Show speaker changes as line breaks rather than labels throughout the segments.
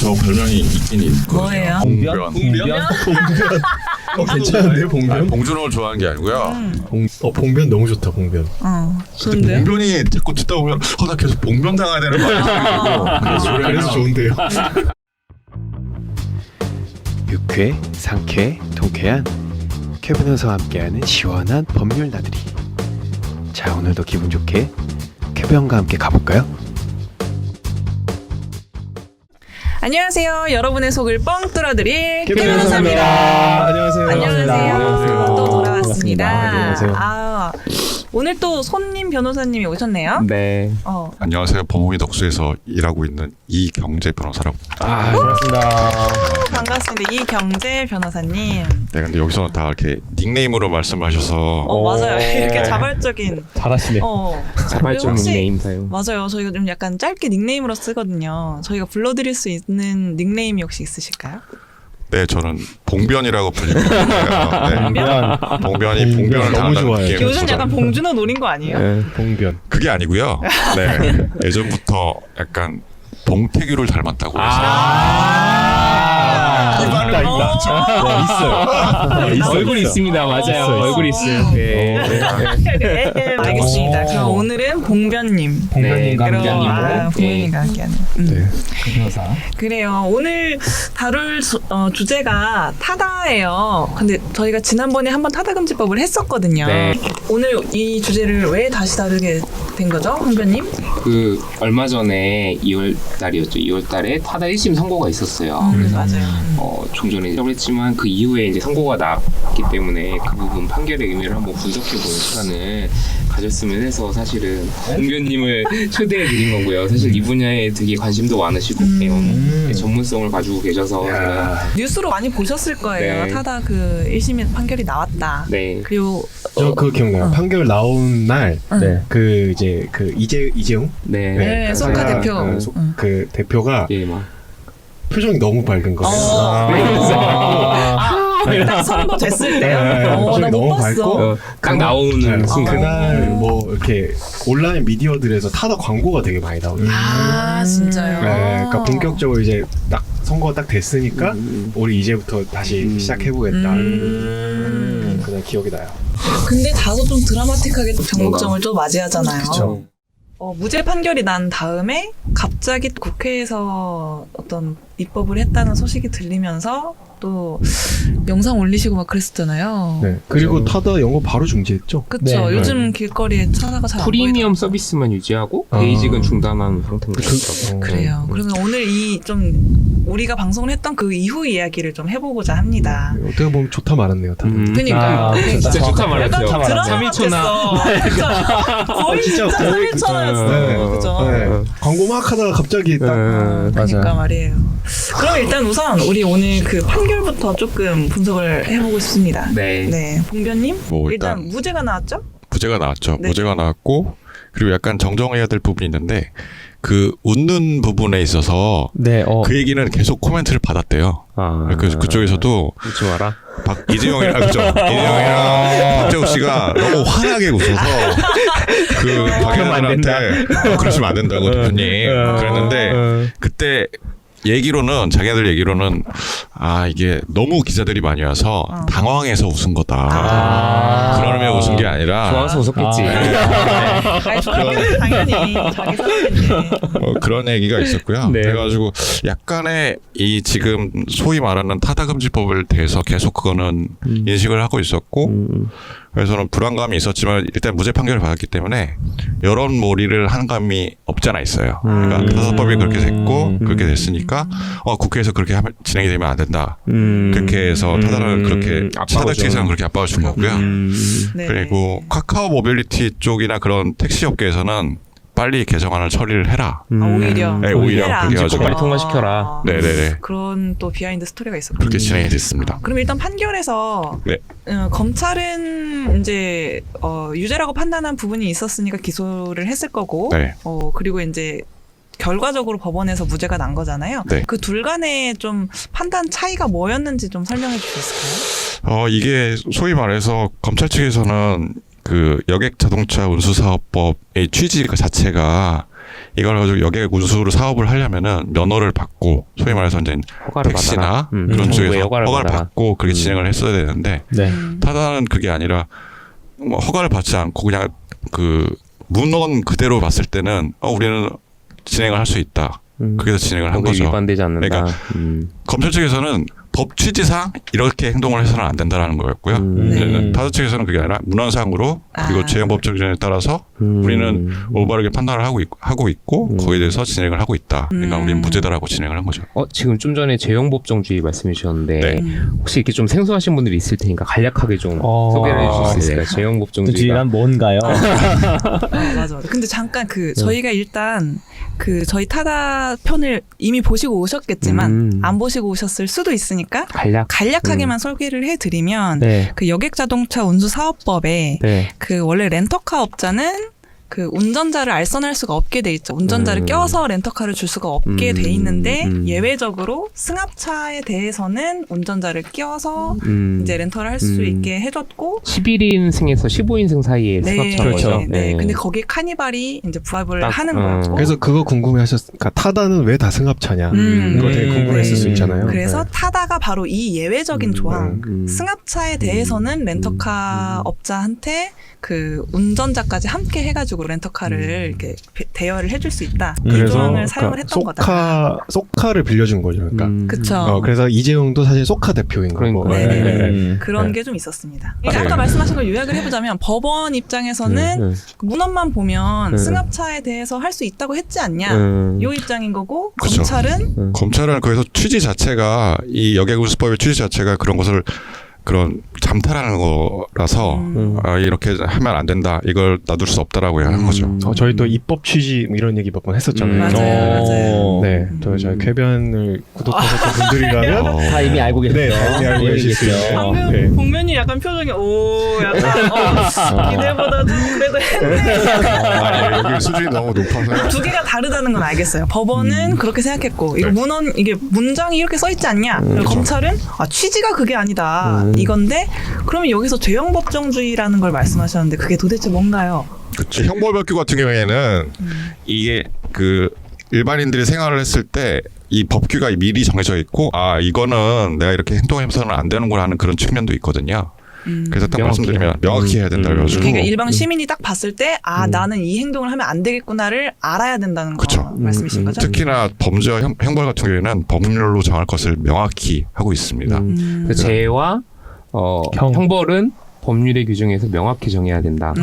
저 별명이 있긴 있거든요.
뭐예요?
봉변.
괜찮은데요, 봉변?
봉준호를 좋아하는 게 아니고요.
봉변 너무 좋다, 봉변.
좋은데요?
봉변이 자꾸 듣다 보면 나 계속 봉변 당해야 되는 거 아니야?
그래서 좋은데요.
유쾌, 상쾌, 통쾌한 쾌 변호사와 함께하는 시원한 법률 나들이. 자, 오늘도 기분 좋게 쾌변과 함께 가볼까요?
안녕하세요. 여러분의 속을 뻥 뚫어드릴
쾌
변호사입니다.
안녕하세요.
안녕하세요. 또 돌아왔습니다.
안녕하세요.
오늘 또 손님 변호사님이 오셨네요.
네.
안녕하세요. 법무비 덕수에서 일하고 있는 이경재 변호사라고.
반갑습니다.
반갑습니다. 이경재 변호사님.
네, 근데 여기서는 다 이렇게 닉네임으로 말씀하셔서
맞아요. 이렇게 자발적인.
잘하시네.
자발적
혹시-
닉네임 사용.
맞아요. 저희가 좀 약간 짧게 닉네임으로 쓰거든요. 저희가 불러드릴 수 있는 닉네임이 혹시 있으실까요?
네, 저는 봉변이라고 불리고 있는데요. 네. 봉변이 봉변을
너무
당한다는
좋아요.
느낌이
요즘
들어서.
약간 봉준호 노린 거 아니에요?
네.
봉변.
그게 아니고요. 네, 예전부터 약간 봉태규를 닮았다고
있다.
얼굴이 있습니다. 맞아요.
있어요.
얼굴이 있어요. 네.
알겠습니다. 그럼 오늘은 봉변님.
봉변님과
그럼,
함께하는
봉변님과 함께하는.
네.
그래요. 오늘 다룰 주제가 타다예요. 근데 저희가 지난번에 한번 타다금지법을 했었거든요.
네.
오늘 이 주제를 왜 다시 다루게 된 거죠, 홍변님?
그 얼마 전에 2월 달이었죠. 2월 달에 타다 1심 선고가 있었어요.
맞아요.
종전에 시작을 했지만 그 이후에 이제 선고가 나왔기 때문에 그 부분 판결의 의미를 한번 분석해보는 시간을 가졌으면 해서 사실은 공변님을 초대해 드린 거고요. 사실 이 분야에 되게 관심도 많으시고 전문성을 가지고 계셔서 제가
뉴스로 많이 보셨을 거예요.
네.
타다 그 1심 판결이 나왔다.
네.
그리고
저 그거 기억나요. 판결 나온 날,
네.
그 이제 그 이재용
네, 송카
그
대표.
그 대표가
예, 막
표정이 너무 밝은 거예요.
딱 선고됐을 때요?
네,
나
표정이
못
너무
봤어.
밝고
딱 나오는
네,
순간
그날 뭐 이렇게 온라인 미디어들에서 타다 광고가 되게 많이 나오죠.
진짜요?
네, 그러니까 본격적으로 이제 딱 선거가 딱 됐으니까 우리 이제부터 다시 시작해보겠다. 그날 기억이 나요.
근데 다소 좀 드라마틱하게 정국점을 또 맞이하잖아요.
그쵸.
무죄 판결이 난 다음에 갑자기 국회에서 어떤 입법을 했다는 소식이 들리면서 또 영상 올리시고 막 그랬었잖아요.
네. 그리고 타다 영어 바로 중지했죠.
그쵸.
네.
요즘 길거리에 차다가 잘 안
프리미엄
보이더라고요.
서비스만 유지하고 베이직은 중단한 상태인 것 같아요.
그래요. 그러면 오늘 이 좀 우리가 방송을 했던 그 이후 이야기를 좀 해보고자 합니다.
어떻게 보면 좋다 말았네요. 타다.
그니까요.
진짜 좋다 말했어요.
약간 드라마
3일초나
그쵸. 거의 진짜 3일초나였어요. 그죠.
네. 광고 막 하다가 갑자기 딱
그러니까 말이에요. 그럼 일단 우선 우리 오늘 그 판결부터 조금 분석을 해보고 싶습니다.
네.
봉변님?
뭐
일단
일단
무죄가 나왔죠?
무죄가 나왔죠.
네.
무죄가 나왔고 그리고 약간 정정해야 될 부분이 있는데 그 웃는 부분에 있어서
네.
그 얘기는 계속 코멘트를 받았대요. 그래서 그쪽에서도
웃지 마라.
이재용이랑 그죠? 이재용이랑 박재욱 씨가 너무 환하게 웃어서 그 박영환한테 그러시면 안 된다고 대표님 그랬는데 그때 자기들 얘기로는 이게 너무 기자들이 많이 와서 당황해서 웃은 거다. 그런 의미에 웃은 게 아니라
좋아서 웃었겠지.
아니, 당연히 자기 사람인데.
그런 얘기가 있었고요.
네.
그래가지고 약간의 이 지금 소위 말하는 타다금지법에 대해서 계속 그거는 인식을 하고 있었고 그래서는 불안감이 있었지만 일단 무죄 판결을 받았기 때문에 여론몰이를 한 감이 없지 않아 있어요. 그러니까 타다법이 그렇게 됐고 그렇게 됐으니까 국회에서 그렇게 진행이 되면 안 된다. 그렇게 해서 타다를 그렇게 타다 측에서는 그렇게 압박을 준 거고요.
네.
그리고 카카오 모빌리티 쪽이나 그런 택시 업계에서는 빨리 개정안을 처리를 해라.
오히려.
네, 오히려
해라.
그렇게 해가지고
빨리 통과시켜라.
네네네.
그런 또 비하인드 스토리가 있었군요.
그렇게 진행이 됐습니다.
그럼 일단 판결에서
네.
검찰은 이제 유죄라고 판단한 부분이 있었으니까 기소를 했을 거고
네.
그리고 이제 결과적으로 법원에서 무죄가 난 거잖아요.
네.
그 둘 간의 좀 판단 차이가 뭐였는지 좀 설명해 주실 수 있을까요?
이게 소위 말해서 검찰 측에서는 그 여객 자동차 운수 사업법의 취지 자체가 이걸 가지고 여객 운수로 사업을 하려면은 면허를 받고 소위 말해서 이제
허가를
택시나
받아라.
그런
정부의
쪽에서
허가를
허가를
받아라.
받고 그렇게 진행을 했어야 되는데
네.
타다는 그게 아니라 뭐 허가를 받지 않고 그냥 그 문헌 그대로 봤을 때는 우리는 진행을 할 수 있다. 그래서 진행을 한
법에
거죠.
위반되지 않는다.
그러니까 검찰 측에서는 법 취지상 이렇게 행동을 해서는 안 된다라는 거였고요.
네.
타다 측에서는 그게 아니라 문헌상으로 그리고
아.
재형법적 기준에 따라서 우리는 올바르게 판단을 하고 있고 거기에 대해서 진행을 하고 있다. 그러니까 우리는 무죄다라고 진행을 한 거죠.
지금 좀 전에 재형법정주의 말씀해 주셨는데
네.
혹시 이렇게 좀 생소하신 분들이 있을 테니까 간략하게 좀 소개를 해주실 수 있을까요? 재형법정주의가
주의란 뭔가요?
맞아. 근데 잠깐 저희가 일단 저희 타다 편을 이미 보시고 오셨겠지만 안 보시고 오셨을 수도 있으니까 간략하게만 소개를 해드리면
네.
그 여객자동차 운수사업법에
네.
원래 렌터카 업자는 운전자를 알선할 수가 없게 돼 있죠. 운전자를 껴서 렌터카를 줄 수가 없게 돼 있는데 예외적으로 승합차에 대해서는 운전자를 끼워서 이제 렌터를 할 수 있게 해줬고
11인승에서 15인승 사이에 승합차인 거죠.
네. 근데 거기에 카니발이 이제 부합을 하는 거였고
그래서 그거 궁금해하셨으니까 타다는 왜 다 승합차냐? 그거 되게 궁금했을 수 있잖아요.
그래서
네.
타다가 바로 이 예외적인 조항 승합차에 대해서는 렌터카 업자한테 운전자까지 함께 해가지고 렌터카를 이렇게 대여를 해줄 수 있다. 이 조항을 사용을 했던 거다.
소카를 빌려준 거죠. 그러니까.
그쵸.
그래서 이재용도 사실 소카 대표인 거고.
그러니까.
네. 그런 게 좀 있었습니다. 아까 말씀하신 걸 요약을 해보자면 법원 입장에서는 문헌만 보면 승합차에 대해서 할 수 있다고 했지 않냐. 요 입장인 거고
그쵸. 검찰은 거기서 취지 자체가 이 여객운수법의 취지 자체가 그런 것을 그런 잠탈하는 거라서 이렇게 하면 안 된다. 이걸 놔둘 수 없다라고 한 거죠.
저희 또 입법 취지 이런 얘기 몇 번 했었잖아요.
맞아요.
네, 또 저희 쾌변을 구독하셨던 분들이라면
다 이미 알고 계세요.
네, 다 이미 알고 계실 수 있어요.
방금
네.
복면이 약간 표정이 약간 기대보다 그래도 했네.
여기 수준이 너무 높아서
두 개가 다르다는 건 알겠어요. 법원은 그렇게 생각했고 이거 이게 문장이 이렇게 써 있지 않냐? 그리고 검찰은 취지가 그게 아니다. 이건데 그러면 여기서 죄형법정주의라는 걸 말씀하셨는데 그게 도대체 뭔가요?
그치. 형벌법규 같은 경우에는 이게 일반인들이 생활을 했을 때 이 법규가 미리 정해져 있고 이거는 내가 이렇게 행동해서는 안 되는구나 하는 그런 측면도 있거든요. 그래서 딱 말씀드리면 명확히 해야 된다 그래가지고
그러니까 일반 시민이 딱 봤을 때 나는 이 행동을 하면 안 되겠구나를 알아야 된다는 거 말씀이신 거죠?
특히나 범죄와 형벌 같은 경우에는 법률로 정할 것을 명확히 하고 있습니다.
그 죄와 형벌은 법률의 규정에서 명확히 정해야 된다.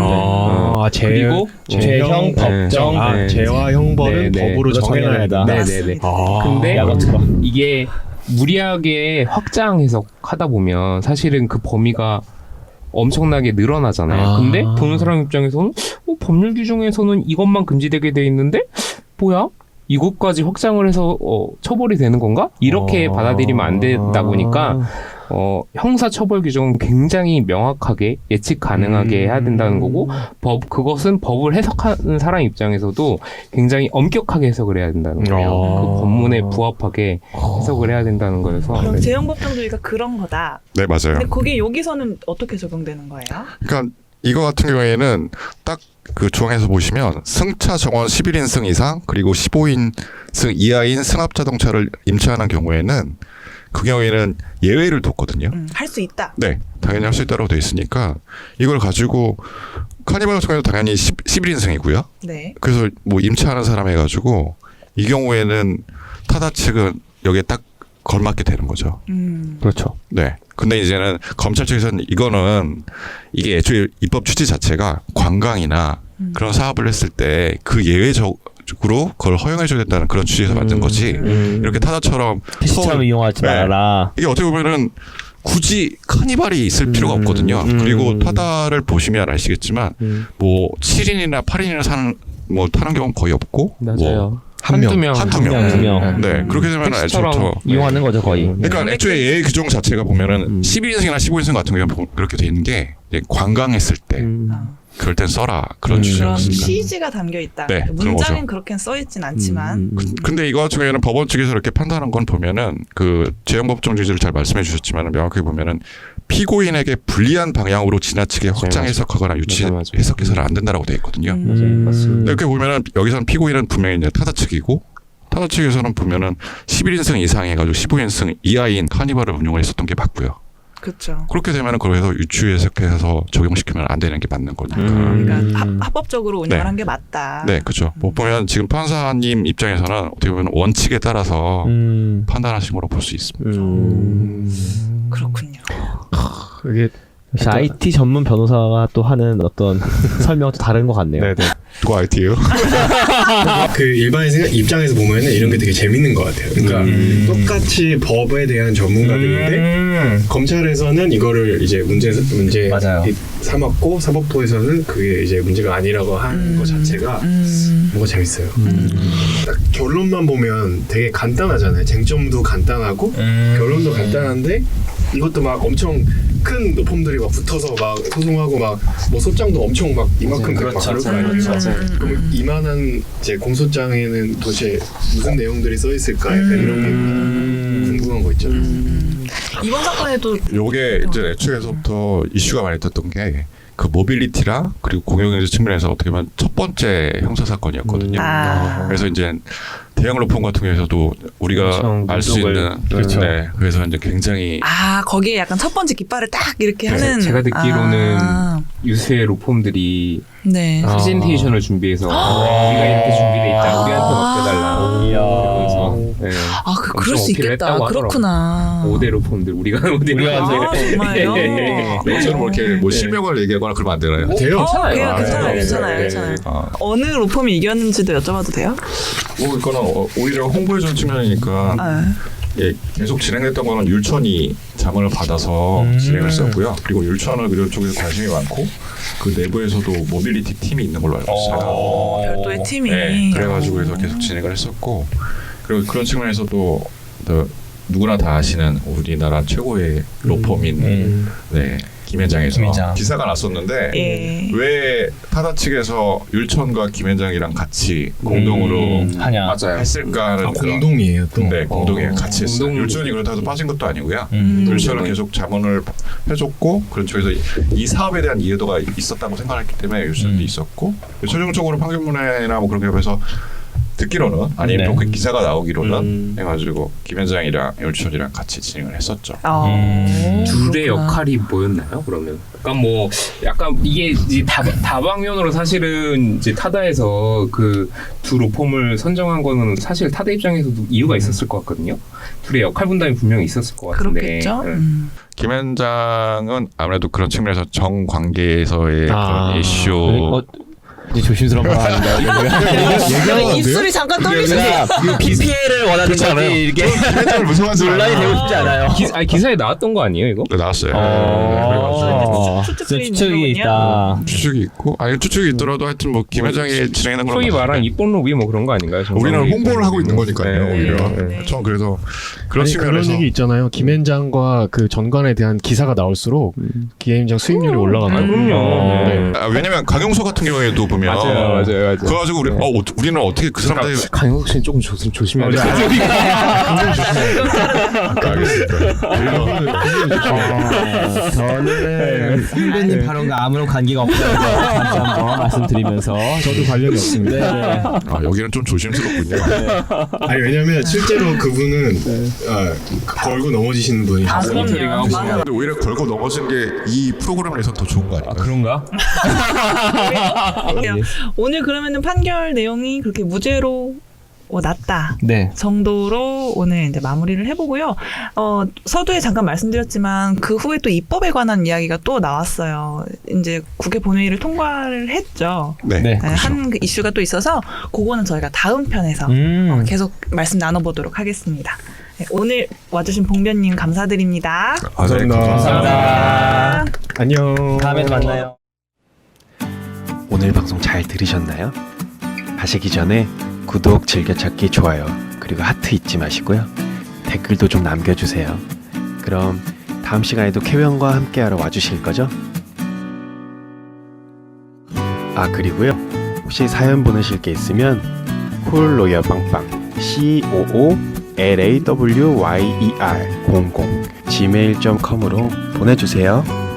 그리고
죄형, 법정.
네.
죄와 형벌은
네, 네.
법으로 정해놔야 된다.
네네네. 근데 이게 무리하게 확장 해석하다 보면 사실은 그 범위가 엄청나게 늘어나잖아요. 근데 보는 사람 입장에서는 법률 규정에서는 이것만 금지되게 돼 있는데 뭐야? 이것까지 확장을 해서 처벌이 되는 건가? 이렇게 받아들이면 안 되다 보니까 형사 처벌 규정은 굉장히 명확하게 예측 가능하게 해야 된다는 거고 그것은 법을 해석하는 사람 입장에서도 굉장히 엄격하게 해석을 해야 된다는 거예요. 그 법문에 부합하게 해석을 해야 된다는 거여서.
그럼 재형법정주의가 그런 거다.
네, 맞아요.
근데 그게 여기서는 어떻게 적용되는 거예요?
그러니까 이거 같은 경우에는 딱 그 조항에서 보시면 승차 정원 11인승 이상 그리고 15인승 이하인 승합자동차를 임차하는 경우에는 그 경우에는 예외를 뒀거든요.
할 수 있다.
네, 당연히 할 수 있다고 돼 있으니까 이걸 가지고 카니발 같은 경우는 당연히 11인승이고요.
네.
그래서 뭐 임차하는 사람 해가지고 이 경우에는 타다 측은 여기에 딱 걸맞게 되는 거죠.
그렇죠.
네. 근데 이제는 검찰 측에서는 이게 애초에 입법 취지 자체가 관광이나 그런 사업을 했을 때 그 예외적으로 그걸 허용해줘야 된다는 그런 취지에서 만든 거지. 이렇게 타다처럼
PC처럼 이용하지 말아라.
이게 어떻게 보면은 굳이 카니발이 있을 필요가 없거든요. 그리고 타다를 보시면 아시겠지만 뭐 7인이나 8인이나 타는 경우는 거의 없고
맞아요.
한두 명.
두 명.
네. 그렇게 되면
택시처럼
애초부터
이용하는 거죠, 거의.
그러니까 애초에 예외 규정 자체가 보면은 12인승이나 15인승 같은 경우는 그렇게 돼 있는 게 이제 관광했을 때 그럴 땐 써라 그런
그런
취지였습니다.
취지가 담겨 있다.
네, 그런
문장은
거죠.
그렇게 써 있진 않지만
근데 이거 같은 경우에는 법원 측에서 이렇게 판단한 건 보면은 그 재형법정주의를 잘 말씀해 주셨지만 명확히 보면은 피고인에게 불리한 방향으로 지나치게 확장 해석하거나 유치
맞아.
해석해서는 안 된다라고 되어 있거든요.
맞습니다.
이렇게 보면은 여기서는 피고인은 분명히 이제 타다 측이고 타다 측에서는 보면은 11인승 이상 해가지고 15인승 이하인 카니발을 운용을 했었던 게 맞고요.
그렇죠.
그렇게 되면은 그래서 유추 해석해서 적용시키면 안 되는 게 맞는 거니까.
그러니까 합법적으로 운영을
네.
한 게 맞다.
네, 그렇죠. 뭐 보면 지금 판사님 입장에서는 어떻게 보면 원칙에 따라서 판단하신 거로 볼 수 있습니다.
그렇군요.
이게
역시 IT 전문 변호사가 또 하는 어떤 설명도 다른 것 같네요.
네네.
누가 IT예요?
그 일반인 입장에서 보면은 이런 게 되게 재밌는 것 같아요. 그러니까 똑같이 법에 대한 전문가들인데 검찰에서는 이거를 이제 문제
맞아요.
삼았고 사법부에서는 그게 이제 문제가 아니라고 하는 것 자체가 뭔가 재밌어요. 딱 결론만 보면 되게 간단하잖아요. 쟁점도 간단하고 결론도 간단한데 이것도 막 엄청 큰 노폼들이 막 붙어서 막 소송하고 막 뭐 소장도 엄청 막 이만큼 되고 막 그럴 거 아니에요. 그럼 이만한 이제 공소장에는 도대체 무슨 내용들이 써 있을까 약간 이런 게 궁금한 거 있잖아요.
이번 사건에도
요게 이제 애초에서부터 이슈가 많이 됐던 게 그 모빌리티랑 그리고 공영경제 측면에서 어떻게 보면 첫 번째 형사 사건이었거든요. 그래서 이제 대형 로펌 같은 경우에서도 우리가 알 수 있는
그렇죠.
네, 그래서 이제 굉장히
거기에 약간 첫 번째 깃발을 딱 이렇게 하는.
제가 듣기로는 유수의 로펌들이
네.
프레젠테이션을 준비해서 우리가 이렇게 준비돼 있다. 우리한테 맡겨달라. 그래서 네.
그럴 수
어필을
있겠다.
했다고
그렇구나.
5대 로펌들 우리가 5대
정말요?
너처럼 이렇게 뭐 실명을 얘기하거나 그러면 안 되나요?
돼요?
괜찮아요. 괜찮아요. 어느 로펌이 이겼는지도 여쭤봐도 돼요?
뭐 이거는 오히려 홍보해주는 측면이니까 예, 계속 진행됐던 거는 율천이 자문을 받아서 진행을 했었고요. 그리고 율천은 그런 쪽에서 관심이 많고 그 내부에서도 모빌리티 팀이 있는 걸로 알고 있어요.
별도의 팀이.
네, 그래가지고 해서 계속 진행을 했었고 그리고 그런 측면에서도 누구나 다 아시는 우리나라 최고의 로펌인 네, 김현장에서 기사가 났었는데
예.
왜 타다 측에서 율천과 김현장이랑 같이 공동으로
하냐.
맞아요.
했을까는 그런-
공동이에요 또.
네, 공동이에요. 같이 했어요.
공동-
율천이 그렇다고 해서 빠진 것도 아니고요. 율천은 계속 자문을 해줬고 그런 쪽에서 이 사업에 대한 이해도가 있었다고 생각했기 때문에 율천도 있었고 최종적으로 판결문이나 뭐 그런 게 해서 듣기로는 아니면
네.
또 그 기사가 나오기로는 해가지고 김현장이랑 율천이랑 같이 진행을 했었죠.
둘의
그렇구나.
역할이 뭐였나요? 그러면 약간 이게 이제 다방면으로 사실은 이제 타다에서 그 두 로펌을 선정한 거는 사실 타다 입장에서도 이유가 있었을 것 같거든요. 둘의 역할 분담이 분명히 있었을 것 같은데.
그렇겠죠.
김현장은 아무래도 그런 측면에서 정관계에서의 그런 이슈
이제 조심스러운 말 하는데
입술이 잠깐 떨리시네요.
PPL을 원하는 거지 이게
김현장을 무서워하는 사람
논란이 되고 싶지 않아요.
기사에 나왔던 거 아니에요, 이거?
네, 나왔어요.
추측이 있다.
추측이 있고 아니 추측이 있더라도 하여튼 뭐 김현장이 진행하는 건
소위 말한 입본 로비 뭐 그런 거 아닌가요?
우리는 홍보를 하고 있는 거니까요.
네,
오히려
네.
전 그래서 그런
아니, 그런
측면에서
얘기 있잖아요. 김현장과 그 전관에 대한 기사가 나올수록 김현장 수익률이 올라간다.
그럼요.
네.
왜냐면 강용서 같은 경우에도 보면
맞아요.
그래가지고 우리는 어떻게 그 사람들
강영석 씨는 조금 조심해야 돼요.
저는 선배님 발언과 아무런 관계가 없다는 거 다시 한번 말씀드리면서
저도 관련이 없습니다.
여기는 좀 조심스럽군요.
아니 왜냐면 실제로 그분은 걸고 넘어지시는 분이셨어요.
맞아요.
근데 오히려 걸고 넘어진 게 이 프로그램 내에서 더 좋은 거 아닌가요?
그런가?
오늘 그러면은 판결 내용이 그렇게 무죄로 났다
네.
정도로 오늘 이제 마무리를 해보고요. 서두에 잠깐 말씀드렸지만 그 후에 또 입법에 관한 이야기가 또 나왔어요. 이제 국회 본회의를 통과를 했죠.
네.
네.
한 그 이슈가 또 있어서 그거는 저희가 다음 편에서 계속 말씀 나눠보도록 하겠습니다. 네, 오늘 와주신 봉변님 감사드립니다.
감사합니다.
안녕.
다음에도 만나요.
오늘 방송 잘 들으셨나요? 가시기 전에 구독, 즐겨찾기, 좋아요, 그리고 하트 잊지 마시고요. 댓글도 좀 남겨주세요. 그럼 다음 시간에도 캐변과 함께하러 와주실 거죠? 그리고요. 혹시 사연 보내실 게 있으면 콜로열 빵빵 COOLAWYER00 gmail.com으로 보내주세요.